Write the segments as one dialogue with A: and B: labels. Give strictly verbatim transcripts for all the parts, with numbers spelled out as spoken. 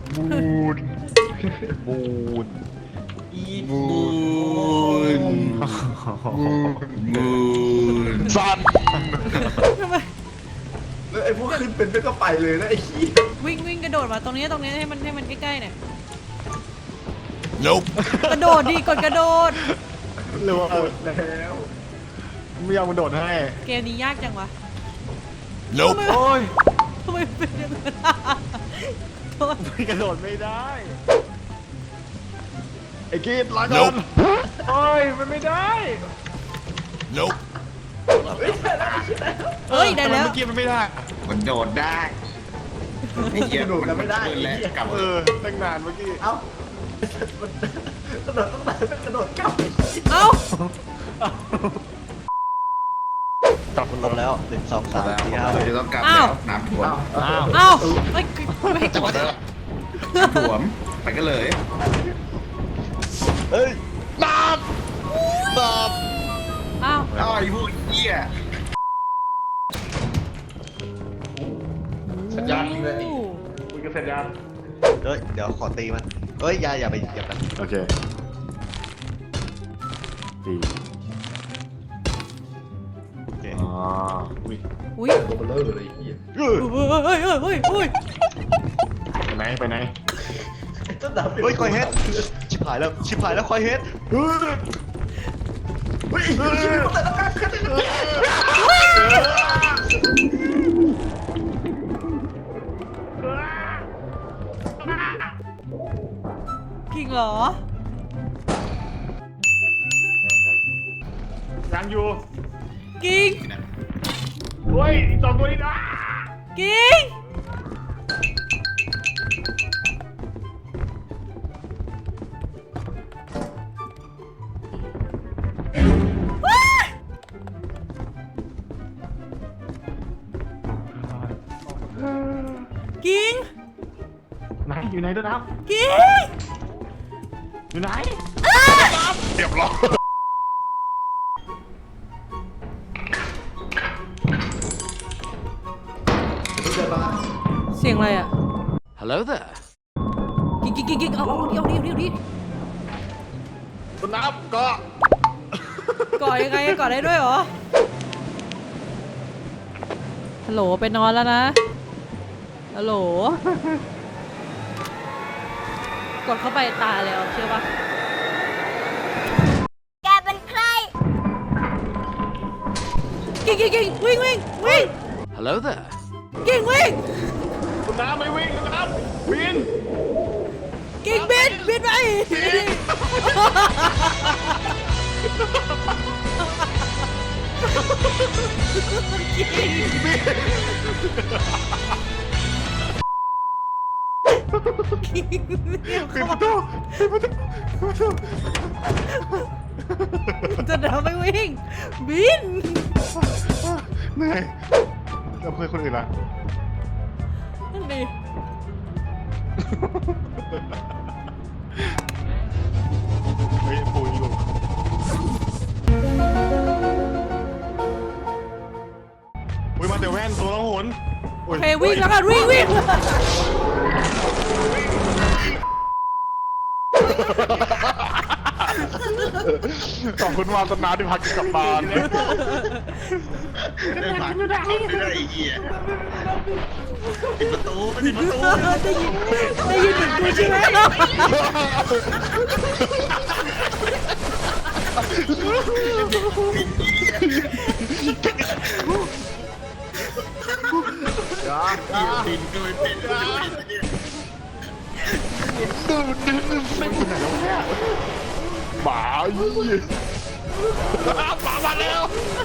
A: บูนบูน
B: อีท
A: บูนบูนสัน
C: ทำไม
B: แล้วไอ้พวกขึ้นเป็นไม่ก็ไปเลยนะไอ้ขี้
C: วิ่งวิ่งกระโดดมาตรงนี้ตรงนี้ให้มันให้มันใกล้ๆหน่อย
A: Nope
C: กระโดดดิกดกระโดด
A: เร็ว
B: แล้ว
A: ไม่ยอมกระโดดให้
C: เกมนี้ยากจังวะ
A: Nope โอ้ย
C: ทำไมเป็นอย่างนั้นโทษ
A: ไม่กระโดดไม่ได้ไอ้กีดลาก่อนโอ้ยมันไม่ได้ Nope
C: เฮ้ยได้แล้ว
A: เมื่อกี้มันไม่ได้
D: มันโดดได้ไม่เกี่ยว
B: โดดแล้วไม่ได้
D: นแล้วกลับ
A: เออตั้งนานเมื่อกี้
B: เอ้ามันกระโดดต้องไปกระโดดกลับ
C: เอ้า
A: กลับมา
E: ครบแล้วหนึ่งสองสาม
D: แล้ว
E: สี่ห้า
D: เราจะต้องกลับแล้วน้ำท่วม
A: อ้าว
C: เอ้าเฮ้ยไม่ให้กด
D: น้ำท่วมไปกันเลย
E: เฮ้ย
A: น้ำตอบ
C: เอ้า
D: อ้าวไอ้พวกเหี้ย
B: สัญญาณเลย
A: คุยกันเสร็จยัง
E: เฮ้ยเดี๋ยวขอตีมันเฮ้ยอย่าอย่าไปอย่าไป
A: โอเคตี
E: โอเค
A: อ๋ออุ้ย
C: อุ้ย
B: ตัวเบลอเลยไอ้ขี้
E: เฮ้ย
C: เฮ้ยเฮ้ยเฮ้ยเฮ้ย
A: ไปไหนไปไหน
B: ต้นดาว
E: เฮ้ยคอยเฮดชิบหายแล้วชิบหายแล้วคอยเฮด
A: เฮ้ย
B: เฮ้ยแต่ละการขึ้น
C: กิ่งเหรอ
A: ยังอยู่
C: กิ่ง
A: เฮ้ยอีกสองตัวนี้นะ
C: กิ่งว้ายกิ่ง
A: ไหนอยู่ไหนตัวน้
C: กิ่ง
A: ำอยู่ไหนเรียบร้อย
C: เสียงอะไรอ่ะ
A: Hello there
C: กิ่งกิ่งกิ่งกิ่งเอาเอาเดี๋ยวเดี๋ยวเดี๋ยวดิ
A: ตัวน้ำก็
C: ก่อยังไงก่อได้ด้วยเหรอ ฮัลโหลไปนอนแล้วนะ ฮัลโหล กดเข้าไปตายแล้วเชื่อปะแกเป็นใคร กิ่งกิ่งกิ่งวิ่งวิ่งวิ่ง
A: Hello there
C: กิ่งวิ่ง
A: ตัวน้ำไม่วิ่งตัวน้ำวิน
C: กิ่งบินบินไปกิ่งเรียก
A: ปิด
C: เข้า
A: ประ
C: มา
A: ตูปิดประตูปิดประตู
C: จะเดินไปวิ่ง บิน
A: เหนื่อยแล้วเพื่อนคนอื่นล่ะ
C: นั่นดิ
A: เฮ้ยปูอยู่อุ้ยมาเดี๋ยวแว่นตัวละหน
C: โอเควิ่งแล้วกันวิ่งวิ่ง
A: ขอบคุณวานตนาที่พักกลับบ้าน
D: ได้ผ่านไม่ได้ไอ้เหี้ยปิดประตูปิดประตู
C: ได้ยินได้ยินเหมือนกูใช่ไหม
D: ปิดก็ไม่ปิด
A: หมายี่หมามาแล้ว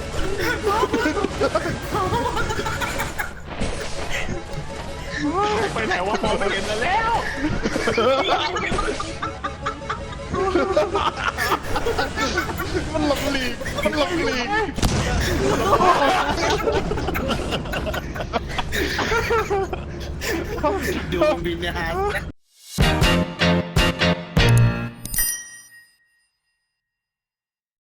A: ไปไหนวะมองไม่เห็นแล้วมันหลบหลีกมันหลบหลีก
D: ดูบินเนี่ยฮะ